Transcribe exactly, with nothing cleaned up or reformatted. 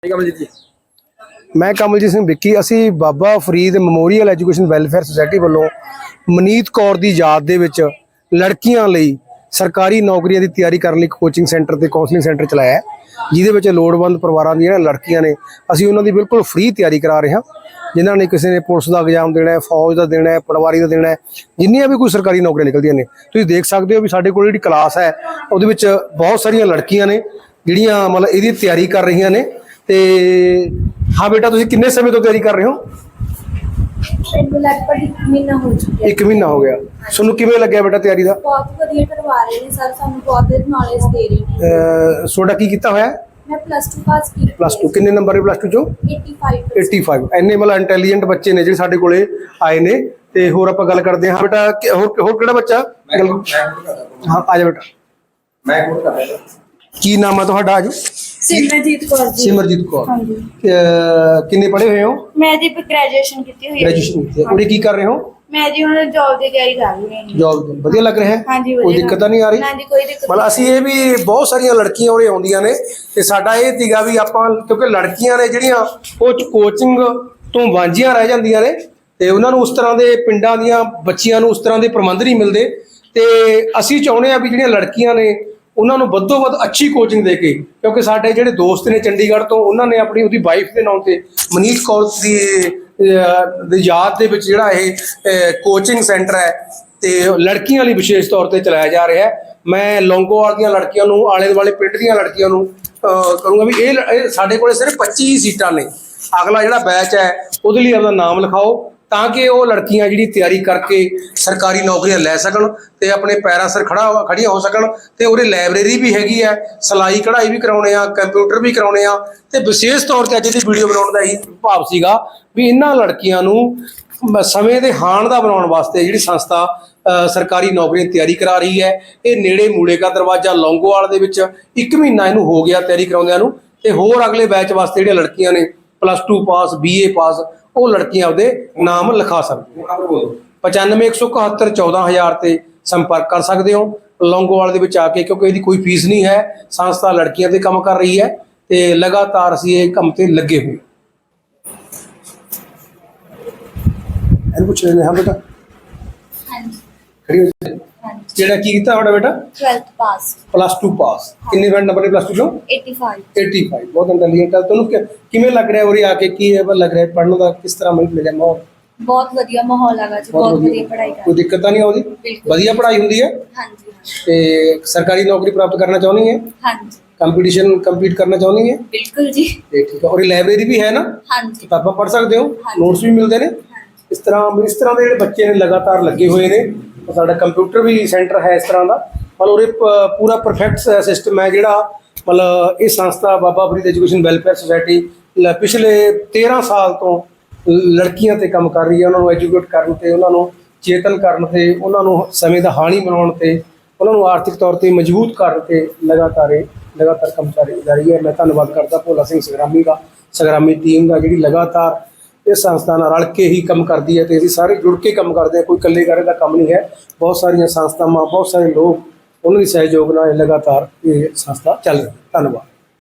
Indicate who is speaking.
Speaker 1: कमलजीत जी
Speaker 2: मैं कमलजीत सिंह विक्की असी Baba Farid memorial education welfare society वालों मनीत कौर की याद दे विच लड़कियां लई सरकारी नौकरियों की तैयारी करने लई कोचिंग सेंटर ते काउंसलिंग सेंटर चलाया है, जिहदे विच लोड़वंद परिवारां दी लड़कियां ने असी उन्हां दी बिल्कुल फ्री तैयारी करा रहे हैं। जिन्हां ने किसी ने पुलिस का एग्जाम देना है, फौज का देना है, पटवारी का देना है, जिन्नियां भी कोई सरकारी नौकरियां निकलदियां ने तुसीं देख सकते हो भी साडे कोल जिहड़ी क्लास है उहदे विच बहुत सारियां लड़कियां ने जिहड़ियां मतलब इहदी तैयारी कर रही ने। ते हाँ बेटा तुसीं किन्ने समय तो तैयारी कर रहे हो?
Speaker 3: लगभग एक महीना हो चुका है।
Speaker 2: एक महीना हो गया। सोनू किवें लग्गिया बेटा तैयारी दा?
Speaker 3: बहुत वधिया करवा रहे हैं सर, सानू बहुत नॉलेज दे रहे हैं।
Speaker 2: सोडा की कीता होया?
Speaker 3: मैं प्लस टू पास की।
Speaker 2: प्लस टू किन्ने नंबर है प्लस टू चो?
Speaker 3: पचासी
Speaker 2: पचासी इन्ने मतलब इंटैलीजेंट बच्चे ने जिहड़े साडे कोले आए ने। ते होर आपां गल करदे हां बेटा होर होर किहड़ा बच्चा? हां आ जा बेटा।
Speaker 1: मैं कोड कर रहा हूं।
Speaker 2: की नाम है तुहाडा? आज
Speaker 3: सिमरजीत कौर जी।
Speaker 2: सिमरजीत कौर।
Speaker 3: हां जी।
Speaker 2: किन्ने पढ़े हुए हो?
Speaker 3: मैं जी ग्रेजुएशन की हुई है।
Speaker 2: ग्रेजुएशन की है। उड़ी की कर रहे हो?
Speaker 3: मैं जी हुण जॉब दी तैयारी कर रही हूं।
Speaker 2: जॉब ਵਧੀਆ ਲੱਗ ਰਿਹਾ ਹੈ?
Speaker 3: हां जी
Speaker 2: ਕੋਈ ਦਿੱਕਤ ਤਾਂ ਨਹੀਂ ਆ ਰਹੀ?
Speaker 3: हां जी कोई दिक्कत
Speaker 2: ਮਤਲਬ ਅਸੀਂ ਇਹ ਵੀ ਬਹੁਤ ਸਾਰੀਆਂ ਲੜਕੀਆਂ ਉਰੇ ਆਉਂਦੀਆਂ ਨੇ ਤੇ ਸਾਡਾ ਇਹ ਸੀਗਾ ਵੀ ਆਪਾਂ ਕਿਉਂਕਿ ਲੜਕੀਆਂ ਨੇ ਜਿਹੜੀਆਂ ਉਹ ਕੋਚਿੰਗ ਤੋਂ ਵਾਂਝੀਆਂ ਰਹਿ ਜਾਂਦੀਆਂ ਨੇ ਤੇ ਉਹਨਾਂ ਨੂੰ ਉਸ ਤਰ੍ਹਾਂ ਦੇ ਪਿੰਡਾਂ ਦੀਆਂ ਬੱਚੀਆਂ ਨੂੰ ਉਸ ਤਰ੍ਹਾਂ ਦੇ ਪ੍ਰਬੰਧ ਨਹੀਂ ਮਿਲਦੇ ਤੇ ਅਸੀਂ ਚਾਹੁੰਦੇ ਆ ਵੀ ਜਿਹੜੀਆਂ ਲੜਕੀਆਂ ਨੇ ਉਹਨਾਂ ਨੂੰ ਵੱਧੋ ਵੱਧ ਅੱਛੀ ਕੋਚਿੰਗ ਦੇ ਕੇ, ਕਿਉਂਕਿ ਸਾਡੇ ਜਿਹੜੇ ਦੋਸਤ ਨੇ ਚੰਡੀਗੜ੍ਹ ਤੋਂ ਉਹਨਾਂ ਨੇ ਆਪਣੀ ਉਹਦੀ ਵਾਈਫ ਦੇ ਨਾਂ ਤੇ ਮਨੀਤ ਕੌਰ ਦੀ ਦੀ ਯਾਦ ਦੇ ਵਿੱਚ ਜਿਹੜਾ ਇਹ ਕੋਚਿੰਗ ਸੈਂਟਰ ਹੈ ਤੇ ਲੜਕੀਆਂ ਲਈ ਵਿਸ਼ੇਸ਼ ਤੌਰ ਤੇ ਚਲਾਇਆ ਜਾ ਰਿਹਾ ਹੈ। ਮੈਂ ਲੌਂਗੋਵਾਲ ਦੀਆਂ ਲੜਕੀਆਂ ਨੂੰ ਆਲੇ ਦੁਆਲੇ ਪਿੰਡ ਦੀਆਂ ਲੜਕੀਆਂ ਨੂੰ ਕਰੂੰਗਾ ਵੀ ਇਹ ਸਾਡੇ ਕੋਲੇ ਸਿਰਫ ਪੱਚੀ ਸੀਟਾਂ ਨੇ। ਅਗਲਾ ਜਿਹੜਾ ਬੈਚ ਹੈ ਉਹਦੇ ਲਈ ਆਪਣਾ ਨਾਮ ਲਿਖਾਓ ਤਾਂ ਕਿ ਉਹ ਲੜਕੀਆਂ ਜਿਹੜੀ ਤਿਆਰੀ ਕਰਕੇ ਸਰਕਾਰੀ ਨੌਕਰੀਆਂ ਲੈ ਸਕਣ ਤੇ ਆਪਣੇ ਪੈਰਾਂ ਸਿਰ ਖੜਾ ਖੜੀਆਂ ਹੋ ਸਕਣ। ਤੇ ਉਹਦੇ ਲਾਇਬ੍ਰੇਰੀ ਵੀ ਹੈਗੀ ਹੈ, ਸਿਲਾਈ ਕਢਾਈ ਵੀ ਕਰਾਉਣੇ ਆ, ਕੰਪਿਊਟਰ ਵੀ ਕਰਾਉਣੇ ਆ ਤੇ ਵਿਸ਼ੇਸ਼ ਤੌਰ ਤੇ ਅੱਜ ਦੀ ਵੀਡੀਓ ਬਣਾਉਣ ਦਾ ਇਹੀ ਭਾਵ ਸੀਗਾ ਵੀ ਇਹਨਾਂ ਲੜਕੀਆਂ ਨੂੰ ਸਮੇਂ ਦੇ ਹਾਣ ਦਾ ਬਣਾਉਣ ਵਾਸਤੇ ਜਿਹੜੀ ਸੰਸਥਾ ਸਰਕਾਰੀ ਨੌਕਰੀਆਂ ਤਿਆਰੀ ਕਰਾ ਰਹੀ ਹੈ। ਇਹ ਨੇੜੇ ਮੂਲੇ ਕਾ ਦਰਵਾਜ਼ਾ ਲੌਂਗੋਵਾਲ ਦੇ ਵਿੱਚ ਇੱਕ ਮਹੀਨਾ ਇਹਨੂੰ ਹੋ ਗਿਆ ਤਿਆਰੀ ਕਰਾਉਂਦਿਆਂ ਨੂੰ ਤੇ ਹੋਰ ਅਗਲੇ ਬੈਚ ਵਾਸਤੇ ਜਿਹੜੀਆਂ ਲੜਕੀਆਂ ਨੇ plus two pass BA pass ਉਹ ਲੜਕੀਆਂ ਉਹਦੇ ਨਾਮ ਲਿਖਾ ਸਕਦੇ। ਪਚਾਨਵੇਂ ਇੱਕ ਸੌ ਇਕਹੱਤਰ ਚੌਦਾਂ ਹਜ਼ਾਰ ਤੇ ਸੰਪਰਕ ਕਰ ਸਕਦੇ ਹੋ ਲੌਂਗੋਵਾਲ ਦੇ ਵਿੱਚ ਆ ਕੇ, ਕਿਉਂਕਿ ਇਹਦੀ ਕੋਈ ਫੀਸ ਨਹੀਂ ਹੈ। ਸੰਸਥਾ ਲੜਕੀਆਂ ਤੇ ਕੰਮ ਕਰ ਰਹੀ ਹੈ ਤੇ ਲਗਾਤਾਰ ਅਸੀਂ ਇਹ ਕੰਮ ਤੇ ਲੱਗੇ ਹੋਏ। ਇਹਨੂੰ ਪੁੱਛ ਲੈਂਦੇ ਹਾਂ ਬੇਟਾ।
Speaker 3: ਹਾਂਜੀ
Speaker 2: ਖੜੀ ਹੋ ਜਾ। ਜਿਹੜਾ ਕੀ ਕੀਤਾ ਤੁਹਾਡਾ ਬੇਟਾ?
Speaker 3: Twelfth pass
Speaker 2: plus two pass. ਕਿੰਨੇ ਬੈਂਡ ਨੰਬਰ ਹੈ ਪਲੱਸ ਟੂ ਚੋਂ?
Speaker 3: पचासी
Speaker 2: ਪਚਾਸੀ। ਬਹੁਤ ਇੰਟੈਲੀਜੈਂਟ ਹੈ। ਤੁਹਾਨੂੰ ਕਿਵੇਂ ਲੱਗ ਰਿਹਾ ਉਰੇ ਆ ਕੇ? ਕੀ ਲੱਗ ਰਿਹਾ ਪੜ੍ਹਨ ਦਾ? ਕਿਸ ਤਰ੍ਹਾਂ ਮਿਲ ਰਿਹਾ ਮਾਹੌਲ?
Speaker 3: बहुत वधिया माहौल है जी, बहुत वधिया पढ़ाई कर।
Speaker 2: कोई दिक्कत तो नहीं आउंदी? वधिया पढ़ाई हुंदी है।
Speaker 3: हां जी।
Speaker 2: ते सरकारी नौकरी प्राप्त करना चाहनी है?
Speaker 3: हां जी।
Speaker 2: कंपटीशन कंपीट करना चाहनी है?
Speaker 3: बिल्कुल जी।
Speaker 2: ते ठीक है। और लाइब्रेरी भी है ना?
Speaker 3: हां जी।
Speaker 2: किताबां पढ़ सकते हो, नोट्स भी मिलते हैं। इस तरह इस तरह के बच्चे ने लगातार लगे हुए ने। साडा कंप्यूटर भी सेंटर है इस तरह का। मतलब उरे पूरा परफेक्ट सिस्टम है जिहड़ा मतलब ये संस्था Baba Farid education welfare society पिछले तेरह साल तो ਲੜਕੀਆਂ ਤੇ ਕੰਮ ਕਰ ਰਹੀ ਹੈ। ਉਹਨਾਂ ਨੂੰ ਐਜੂਕੇਟ ਕਰਨ ਤੇ, ਉਹਨਾਂ ਨੂੰ ਚੇਤਨ ਕਰਨ ਤੇ, ਉਹਨਾਂ ਨੂੰ ਸਮੇਂ ਦਾ ਹਾਣੀ ਬਣਾਉਣ ਤੇ, ਉਹਨਾਂ ਨੂੰ ਆਰਥਿਕ ਤੌਰ ਤੇ ਮਜ਼ਬੂਤ ਕਰਨ ਤੇ ਲਗਾਤਾਰ ਲਗਾਤਾਰ ਕੰਮ ਚੱਲ ਰਹੀ ਹੈ। ਮੈਂ ਧੰਨਵਾਦ ਕਰਦਾ ਭੋਲਾ ਸਿੰਘ ਸੰਗਰਾਮੀ ਦਾ, ਸੰਗਰਾਮੀ ਟੀਮ ਦਾ ਜਿਹੜੀ ਲਗਾਤਾਰ ਇਸ ਸੰਸਥਾ ਨਾਲ ਰਲ ਕੇ ਹੀ ਕੰਮ ਕਰਦੀ ਹੈ ਤੇ ਅਸੀਂ ਸਾਰੇ ਜੁੜ ਕੇ ਕੰਮ ਕਰਦੇ ਹਾਂ। ਕੋਈ ਇਕੱਲੇ ਕਰੇ ਦਾ ਕੰਮ ਨਹੀਂ ਹੈ। ਬਹੁਤ ਸਾਰੀਆਂ ਸੰਸਥਾਵਾਂ, ਬਹੁਤ ਸਾਰੇ ਲੋਕ ਉਹਨਾਂ ਦੇ ਸਹਿਯੋਗ ਨਾਲ ਲਗਾਤਾਰ ਇਹ ਸੰਸਥਾ ਚੱਲ ਰਹੀ ਹੈ। ਧੰਨਵਾਦ।